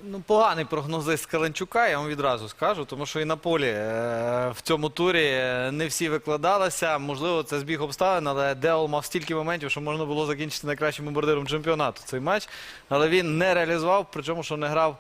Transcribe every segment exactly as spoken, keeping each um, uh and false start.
Ну, поганий прогнозист Каленчука, я вам відразу скажу, тому що і на полі е, в цьому турі не всі викладалися. Можливо, це збіг обставин, але Деол мав стільки моментів, що можна було закінчити найкращим бомбардиром чемпіонату цей матч. Але він не реалізував, причому, що не грав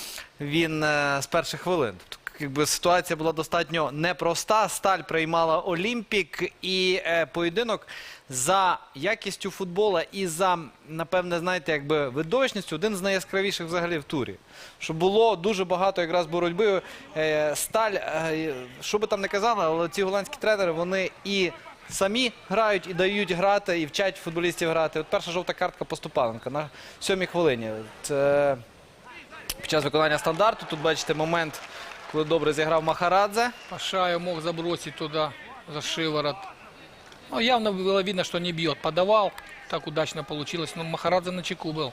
він е, з перших хвилин. Тобто, якби ситуація була достатньо непроста. Сталь приймала Олімпік і е, поєдинок за якістю футбола і за, напевне, знаєте, якби видовищністю один з найяскравіших взагалі в турі. Що було дуже багато якраз боротьби. Е, Сталь, е, що би там не казали, але ці голландські тренери, вони і самі грають, і дають грати, і вчать футболістів грати. От перша жовта картка Поступаленка на сьомій хвилині. Це під час виконання стандарту. Тут бачите момент, коли добре зіграв Махарадзе. Пашаев мог забросить туда за шиворот. Ну, явно было видно, что не бьет. Подавал, так удачно получилось. Но Махарадзе на чеку был.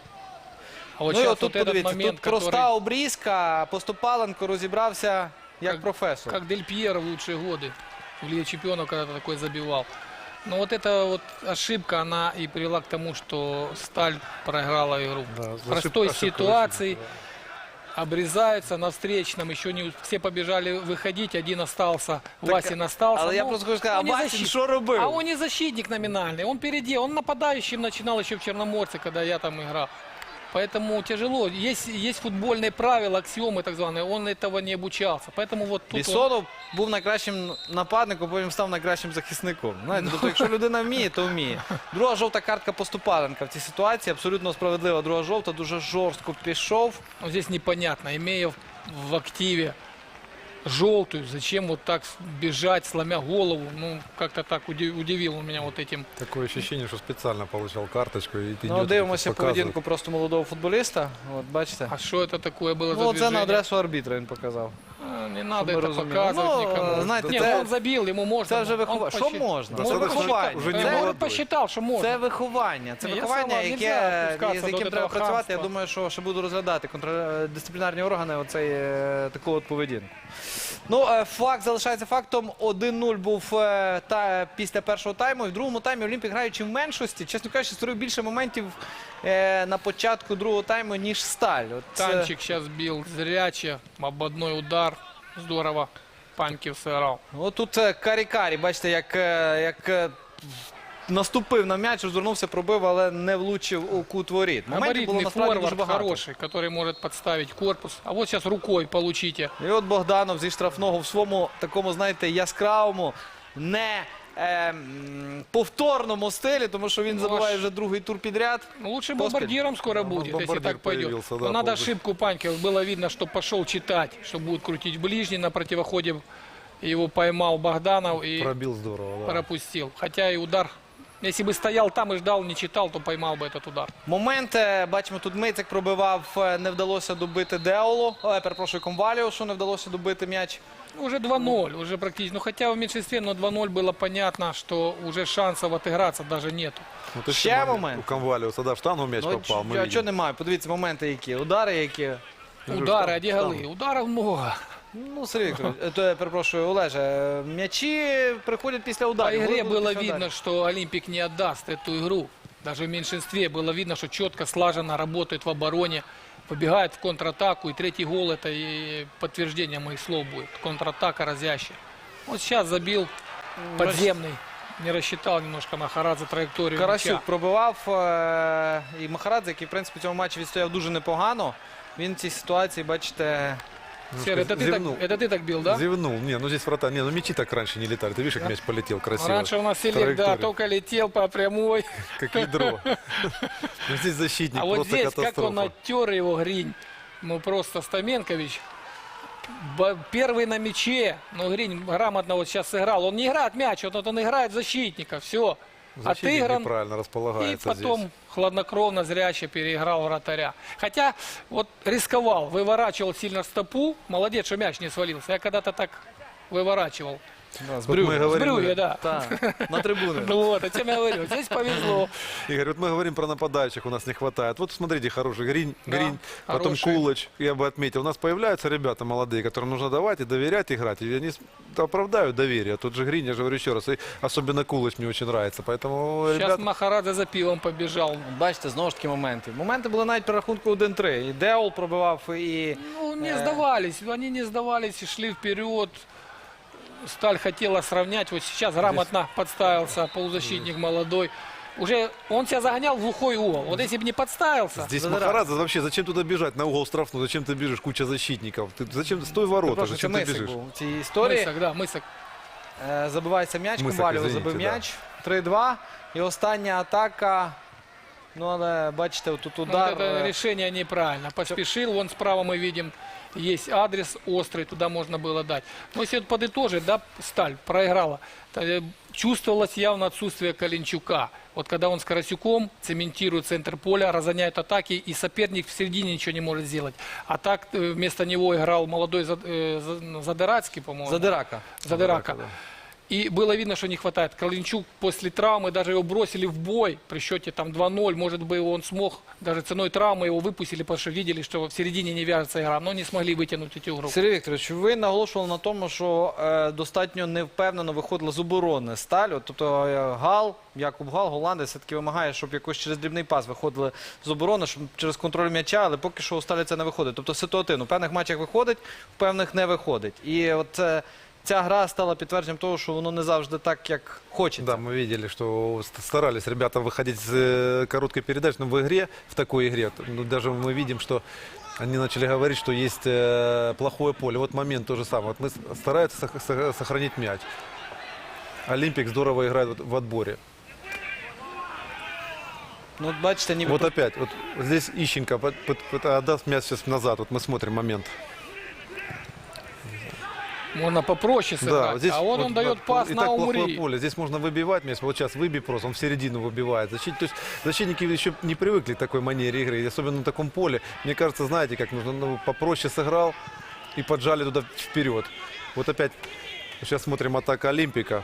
А вот Ну і сейчас от тут вот этот подивіться, момент, тут проста который, обрізка, Поступаленко розібрався як Как- професор. как Дель Пьеро в лучшие годы в Лиге Чемпионов когда-то такой забивал. Но вот эта вот ошибка, она и привела к тому, что Сталь проиграла игру. Да, В ошибка- простой ошибка ситуации защитника, обрезаются на встречном, еще не все побежали выходить, один остался, Васин остался. Але я Ну, просто хочу сказати, он не а Васін защит- що робив? А он не защитник номинальный, он впереди, он нападающим начинал еще в Черноморце, когда я там играл. Поэтому тяжело. Есть, есть футбольные правила, аксиомы так званые, он этого не обучался. Поэтому вот тут он- Бісонов був найкращим нападником, потім став найкращим захисником. Знаєте, тобто, якщо людина вміє, то вміє. Друга жовта картка Поступаленка в цій ситуації. Абсолютно справедлива друга жовта, дуже жорстко пішов. ну, здесь непонятно, имея в, в активе желтую, зачем вот так бежать, сломя голову. Ну, как-то так уди- удивил он меня вот этим. Такое ощущение, что специально получал карточку и идет, Ну, дивимося показывает. поведінку просто молодого футболіста. От, бачите. А что это такое было Ну, за це на движение? адресу арбітра він показав. А, Не надо Щоб ми это розуміли. показывать Ну, никому. знаєте, Нет, це- он забил, ему можно. Це вже Он виховання. Що посчит- можна? Он Це Достаточно, виховання. уже не Да, он молодой. посчитал, что можно. Це виховання. Це Ні, я виховання, согласен, яке, нельзя опускатися з до яким треба такого працювати. Я хамства. думаю, що ще буду розглядати контр- дисциплінарні органи оцей, е, таку от поведінку. Ну, е, факт залишається фактом. один нуль був е, та, після першого тайму. І в другому таймі Олімпік, граючи в меншості, чесно кажучи, створив більше моментів е, на початку другого тайму, ніж Сталь. От, е, Танчик сейчас бил зряче, ободной удар. Здорово. Паньків сыграл. От тут е, Карі-Карі, бачите, як, е, як е, наступив на м'яч, розвернувся, пробив, але не влучив у кут воріт. Моментів було Габаритный насправді дуже форвард багато. хороший, который может подставить корпус. А вот сейчас рукой получите. І от Богданов зі штрафного в своєму такому, знаєте, яскравому, не е, м, повторному стилі, тому що він Ну, забиває аж- вже другий тур підряд. Ну, лучше Поспель. бомбардиром скоро Ну, будет, если бомбардир так пойдет. появился, да, Но надо полностью. ошибку Панькова. Было видно, что пошел читать, что будет крутить в ближний. На противоходе его поймал Богданов и Пробил здорово, да. пропустил. Хотя и удар, если бы стоял там и ждал, не читал, то поймал бы этот удар. Момент, е, бачимо, тут Мицик пробивав, е, не вдалося добити Деолу, е, перепрошую, Комваліушу, не вдалося добити м'яч. Уже два ноль, уже практически. Ну, хотя в меньшинстве, но два ноль было понятно, что уже шансов отыграться даже нету. Ну, ты Ще что, момент. У Конвалиуса, да, в штангу мяч Ну, попал. мы а видим. чого немає? Подивіться, моменти які, удари які. Удары, а где штангу. голы? Ударов много. Ну, Сергій Вікторович, е, то я перепрошую, Олеже, е, м'ячі приходять після По ударів. игре Голи будуть было після видно, ударів. что Олимпик не отдаст эту игру. Даже в меньшинстве было видно, что четко, слаженно работает в обороне, побегает в контратаку. И третий гол — это и подтверждение моих слов будет. Контратака разящая. Вот сейчас забил подземный. Не рассчитал немножко Махарадзе траекторию Карасюк мяча. пробивав, е, і Махарадзе, який, в принципі, в цьому матчі відстояв дуже непогано. Він в цій ситуації, бачите, Серый, это ты, так, Зевнул. это ты так бил, да? Зевнул. Не, ну здесь врата. Не, ну мячи так раньше не летали. Ты видишь, как мяч полетел красиво. Раньше у нас селек, да, Траектория. только летел по прямой. Как ядро. Ну, здесь защитник А вот просто здесь, как он катастрофа. оттер его Гринь. Ну просто Стаменкович. Б- Первый на мяче. Ну Гринь грамотно вот сейчас сыграл. Он не играет мяч, вот он играет защитника. Все. Защитник Отыгран. неправильно И располагается потом здесь. хладнокровно, зряще переиграл вратаря. Хотя вот рисковал, выворачивал сильно стопу. Молодец, что мяч не свалился. Я когда-то так выворачивал. Да, з Вот мы Брюгге. С говорим, Брюгге, да. Та, на трибуни. Ну вот, о чем я говорю. Здесь повезло. Игорь, вот мы говорим про нападающих, у нас не хватает. Вот смотрите, хороший Гринь, Да, Гринь, потом хороший. Кулыч, я бы отметил. У нас появляются ребята молодые, которым нужно давать и доверять играть. И они с- оправдают доверие. Тот же Гринь, я же говорю еще раз, и особенно Кулыч мне очень нравится. Поэтому, Сейчас ребята, Махарадзе за пивом побежал. Бачите, знову ж таки моменти. Моменти були навіть при рахунку один-три. І Деол пробивав, і Ну, не Э. сдавались. Они не сдавались и шли вперед. Сталь хотела сравнять. Вот сейчас грамотно подставился полузащитник молодой. Уже он себя загонял в глухой угол. Вот если бы не подставился. здесь Задирать. Махарадзе вообще, зачем туда бежать на угол штрафную? Зачем ты бежишь, куча защитников? Ты, зачем, стой в ворота, Прошу, це зачем ты Мисик бежишь? був у цій історії. Мысок, да, мысок. Е, Забивається м'яч, Мисик, Ковалєв извините, забив да. м'яч. три-два. І остання атака. Ну, але бачите, тут Вот удар. это е, решение неправильно. Поспешил, вон справа мы видим, есть адрес острый, туда можно было дать. Но если вот подытожить, да, Сталь проиграла. то, э, Чувствовалось явно отсутствие Калинчука. Вот когда он с Карасюком цементирует центр поля, разгоняет атаки, и соперник в середине ничего не может сделать. А так э, вместо него играл молодой Зад- э, За- Задырацкий, по-моему. Задирака. Задырака. да. И было видно, что не хватает. Калинчук после травмы, даже его бросили в бой при счете там два-ноль. Может быть, он смог, даже ценой травмы его выпустили, потому что видели, что в середине не вяжется игра, но не смогли вытянуть эту игру. Сергій Вікторович, ви наголошували на тому, що е, достатньо невпевнено виходила з оборони Сталь. От, тобто е, Гал, Якуб Гал, голландець, все-таки вимагає, щоб якось через дрібний пас виходили з оборони, щоб через контроль м'яча, але поки що у Сталі це не виходить. Тобто ситуативно. В певних матчах виходить, в певних не виходить. І от е, ця гра стала підтвердженням того, що воно не завжди так, як хочеться. Да, мы видели, что ст- старались ребята выходить с э, короткой передачи, но в игре, в такой игре, ну, даже мы видим, что они начали говорить, что есть э, плохое поле. Вот момент то же самое. Вот мы с- стараются сох- сох- сохранить мяч. Олимпик здорово играет вот в отборе. Ну, от бачите, ніби Вот опять, вот здесь Ищенко под- под- под- отдаст мяч сейчас назад. Вот мы смотрим момент. Можно попроще сыграть. вот здесь а он, вот, он дает да, пас и на так плохое Умри. поле. Здесь можно выбивать мяч. Вот сейчас выбей просто, он в середину выбивает. Защит, то есть защитники еще не привыкли к такой манере игры, и особенно на таком поле. Мне кажется, знаете, как нужно, ну, попроще сыграл и поджали туда вперед. Вот опять, сейчас смотрим атака Олимпика.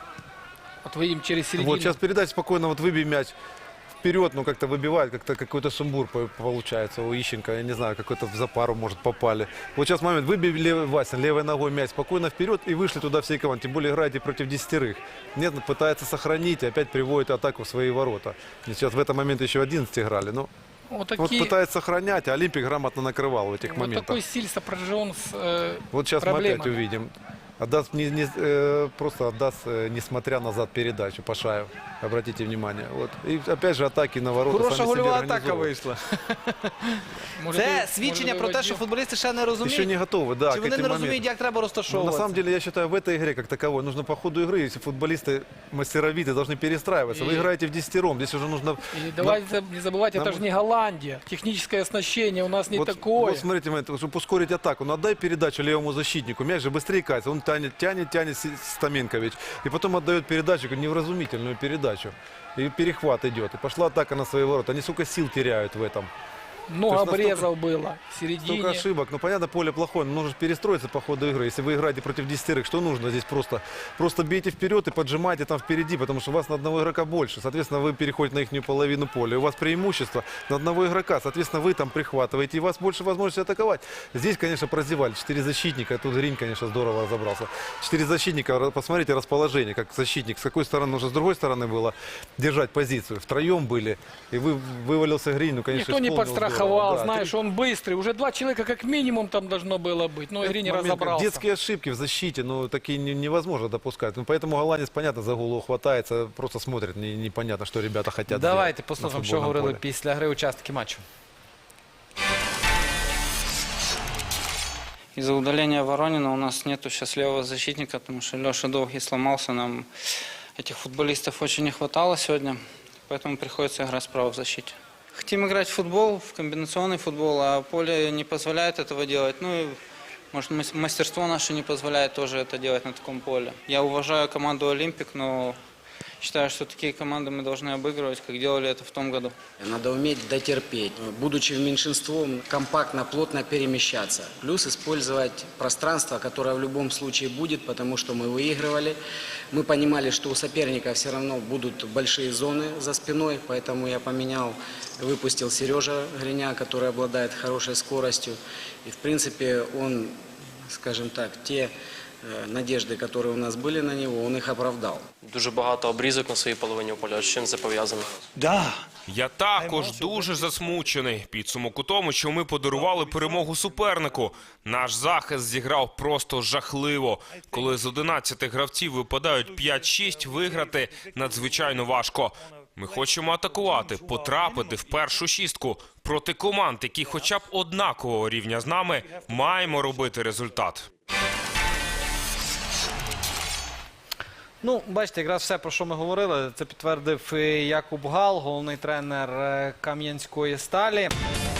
Вот вы им через середину. Вот сейчас передать спокойно, вот выбей мяч вперед, ну как-то выбивает, как-то какой-то сумбур по- получается у Ищенко, я не знаю, какой-то в запару, может, попали. Вот сейчас момент, выбей левый Васин, левой ногой мяч спокойно вперед и вышли туда всей команды, тем более играете против десятерых. Нет, ну, пытается сохранить и опять приводит атаку в свои ворота. И сейчас в этот момент еще одиннадцать играли, ну, Вот, вот такие, пытается сохранять, а Олимпик грамотно накрывал в этих вот моментах. такой стиль сопряжен с э, Вот сейчас мы проблемами. опять увидим. Отдаст, не, не- э, просто отдаст, э, несмотря назад, передачу Пашаев. Обратите внимание. Вот. И опять же атаки на ворота. хороша сами себе гольова атака организовывают. вийшла. Может, Це и- свідчення может, про те, выводил. що футболісти ще не Еще розуміють. не готовы, да, Чи к вони этим не розуміють, моментам. як треба Ну, на розташовуватися? самом деле, я считаю, в этой игре как таковой нужно по ходу игры, если футболисты мастеровитые, должны перестраиваться. Вы И- играете в десятером, здесь уже нужно... И давайте не забывать, это нам- же не Голландия. Техническое оснащение у нас не вот, такое. вот смотрите, момент, чтобы ускорить атаку, ну отдай передачу левому защитнику, мяч же быстрее катится, он тянет, тянет, тянет С- Стаменкович, и потом отдает передачу, невразумительную передачу, и перехват идет, и пошла атака на свои ворота, они, сука, сил теряют в этом. Много то есть настолько- обрезов было в Столько середине. ошибок. Ну, понятно, поле плохое, но нужно же перестроиться по ходу игры. Если вы играете против десятерых, что нужно здесь просто? Просто бейте вперед и поджимайте там впереди, потому что у вас на одного игрока больше. Соответственно, вы переходите на их половину поля. У вас преимущество на одного игрока. Соответственно, вы там прихватываете, и у вас больше возможности атаковать. Здесь, конечно, прозевали. Четыре защитника. Тут Гринь, конечно, здорово разобрался. Четыре защитника. Посмотрите расположение, как защитник. С какой стороны нужно, с другой стороны было держать позицию. Втроем были. И вы, вывалился Гринь, ну, конечно, Никто не исполнил подстраховал, здорово. Да, знаешь, три- он быстрый. Уже два человека как минимум там должно было быть. Но игре не Момент, как разобрался. Детские ошибки в защите, ну, такие не- невозможно допускать. Ну, поэтому голландец, понятно, за голову хватается, просто смотрит, не- непонятно, что ребята хотят Давайте сделать послухаємо, на що футбольном говорили поле. після гри учасники матчу. Из-за удаления Воронина у нас нету сейчас левого защитника, потому что Леша Долгий сломался. Нам этих футболистов очень не хватало сегодня, поэтому приходится играть справа в защите. Хотим играть в футбол, в комбинационный футбол, а поле не позволяет этого делать. Ну и, может, мас- мастерство наше не позволяет тоже это делать на таком поле. Я уважаю команду «Олимпик», но Считаю, что такие команды мы должны обыгрывать, как делали это в том году. Надо уметь дотерпеть, будучи меньшинством, компактно, плотно перемещаться. Плюс использовать пространство, которое в любом случае будет, потому что мы выигрывали. Мы понимали, что у соперника все равно будут большие зоны за спиной, поэтому я поменял, выпустил Сережа Гриня, который обладает хорошей скоростью. И в принципе он, скажем так, те надежды, которые у нас были на него, он их оправдал. Дуже багато обрізок на своїй половині поля. З чим це пов'язано? Я також дуже засмучений. Підсумок у тому, що ми подарували перемогу супернику. Наш захист зіграв просто жахливо. Коли з одинадцяти гравців випадають п'ять-шість, виграти надзвичайно важко. Ми хочемо атакувати, потрапити в першу шістку. Проти команд, які хоча б однакового рівня з нами, маємо робити результат. Ну, бачите, якраз все, про що ми говорили, це підтвердив і Якуб Гал, головний тренер е, Кам'янської сталі.